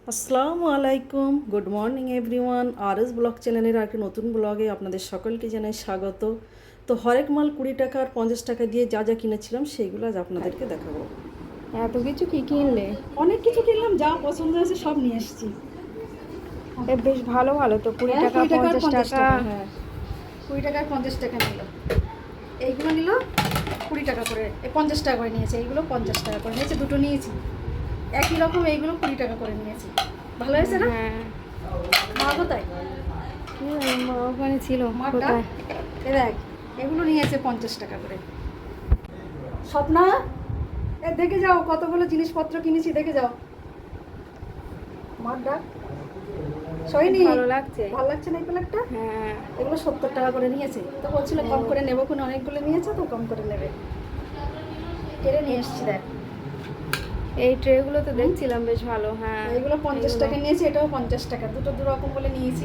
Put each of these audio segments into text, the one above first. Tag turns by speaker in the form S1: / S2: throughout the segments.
S1: আসসালামু আলাইকুম, good morning everyone. RS blog চ্যানেলের আর একটি নতুন ব্লগে আপনাদের সকলকে জানাই স্বাগত। তো হরেক মাল 20 টাকা আর 50 টাকা দিয়ে যা যা কিনেছিলাম সেইগুলো আজ আপনাদেরকে দেখাবো।
S2: এত কিছু কি কিনলে?
S1: অনেক কিছু কিনলাম, যা পছন্দ হয়েছে সব নিয়ে এসেছি।
S2: বেশ ভালো ভালো তো, 20 টাকা
S1: 20 টাকা আর
S2: 50 টাকা।
S1: হ্যাঁ, 20 টাকা আর 50 টাকা নিল। এইগুলো নিল 20 টাকা করে, 50 টাকা করে নিয়েছে। এইগুলো 50 টাকা করে নিয়েছে, দুটো নিয়েছি একই রকম। এইগুলো 20 টাকা করে নিয়েছি। ভালো হয়েছে না?
S2: হ্যাঁ,
S1: মা কোথায়?
S2: মা ওখানে ছিল।
S1: মাটা
S2: কোথায়?
S1: এ দেখ, এগুলো নিয়েছে 50 টাকা করে। স্বপ্না, এ দেখে যাও কতগুলো জিনিসপত্র কিনেছি, দেখে যাও। মার ডাক সইনি।
S2: ভালো লাগছে?
S1: ভালো লাগছে না এই প্লেটটা?
S2: হ্যাঁ,
S1: এগুলো 70 টাকা করে নিয়েছে। তো বলছিল কম করে নেবো, কোনো অনেকগুলো নিয়েছে তো কম করে নেবে। কেড়ে নিয়ে এসছি দেখ।
S2: এই ট্রেগুলো তো দেখছিলাম বেশ ভালো। হ্যাঁ,
S1: এইগুলো 50 টাকা নিয়েছি, এটাও 50 টাকা, দুটো দু রকম বলে নিয়েছি।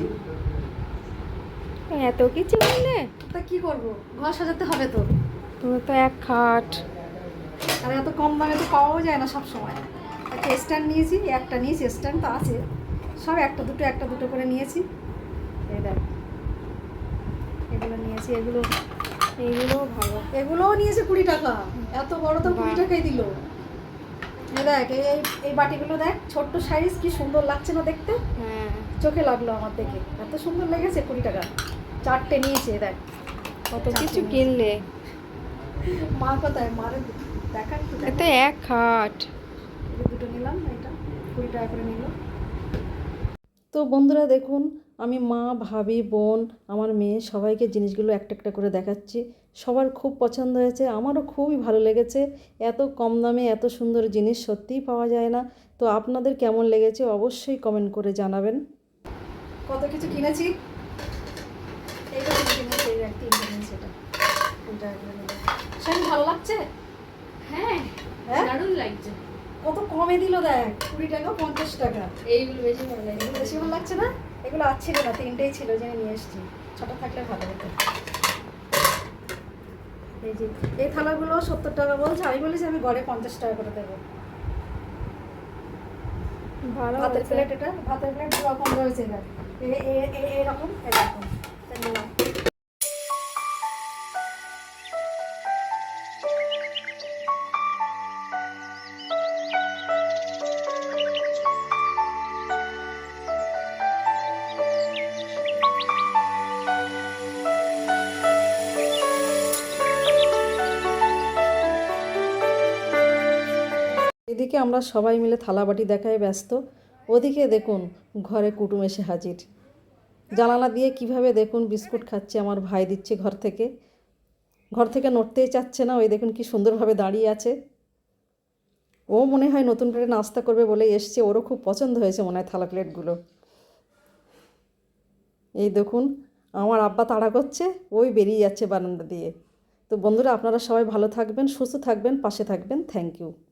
S2: এত কিছু কিনলে?
S1: তা কি করবো, ঘর সাজাতে হবে তো।
S2: তুমি তো এক খাট।
S1: আর এত কম দামে তো পাওয়াও যায় না সব সময়। একটা স্ট্যান্ড নিয়েছি, একটা নিয়েছি, স্ট্যান্ড তো আছে। সব একটা দুটো করে নিয়েছি। এই দেখ, এগুলো নিয়েছি।
S2: এইগুলো ভালো।
S1: এগুলোও নিয়েছে 20 টাকা। এত বড় তো 20 টাকাই দিল। এই দেখ, এই এই বাটিগুলো দেখ, ছোট্ট সাইজ, কি সুন্দর লাগছে না দেখতে?
S2: হ্যাঁ,
S1: চোখে লাগলো আমার দেখে, এত সুন্দর লেগেছে। 20 টাকা 4টে নিয়েছে। দেখ
S2: কত কিছু কিনলে।
S1: মা কোথায়? মারে দেখার কি?
S2: এত এক খাট।
S1: দুটো নিলাম, এটা 20 টাকা করে নিল। তো বন্ধুরা দেখুন, আমি মা, ভাবি, বোন, আমার মেয়ে সবাইকে জিনিসগুলো একটা একটা করে দেখাচ্ছি। সবার খুব পছন্দ হয়েছে, আমারও খুবই ভালো লেগেছে। এত কম দামে এত সুন্দর জিনিস সত্যিই পাওয়া যায় না। তো আপনাদের কেমন লেগেছে অবশ্যই কমেন্ট করে জানাবেন। কত কিছু কিনেছি। এইটা কিনেছি, এই তিনটে কিনেছি। এটা 20 টাকা করে নিল। সেই ভালো লাগছে?
S2: হ্যাঁ,
S1: হ্যাঁ,
S2: দারুণ লাগছে।
S1: কত কমে দিল দেখ, 20 টাকা 50 টাকা।
S2: এইগুলো বেশি ভালো লাগে।
S1: এগুলো বেশি ভালো লাগছে না? এগুলো আর ছিল না, তিনটেই ছিল, জেনে নিয়ে এসেছি। ছোটো থাকলে ভালো হতো। এই যে এই থালাগুলো 70 টাকা বলছে, আমি বলেছি আমি গড়ে 50 টাকা করে দেবো।
S2: ভালো
S1: ভাতের
S2: হয়েছে।
S1: প্লেট, এটা ভাতের প্লেট দু রকম রয়েছে। এবার এরকম এরকম তাই নিলাম। এদিকে আমরা সবাই মিলে থালাবাটি দেখায় ব্যস্ত। ওদিকে দেখুন, ঘরে কুটুম এসে হাজির। জানালা দিয়ে কিভাবে দেখুন বিস্কুট খাচ্ছে, আমার ভাই দিচ্ছে ঘর থেকে নড়তেই চাচ্ছে না। ওই দেখুন কি সুন্দরভাবে দাঁড়িয়ে আছে। ও মনে হয় নতুন করে নাস্তা করবে বলে এসছে, ওরও খুব পছন্দ হয়েছে মনে হয় থালা প্লেটগুলো। এই দেখুন, আমার আব্বা তাড়া করছে, ওই বেরিয়ে যাচ্ছে বারান্দা দিয়ে। তো বন্ধুরা, আপনারা সবাই ভালো থাকবেন, সুস্থ থাকবেন, পাশে থাকবেন। Thank you.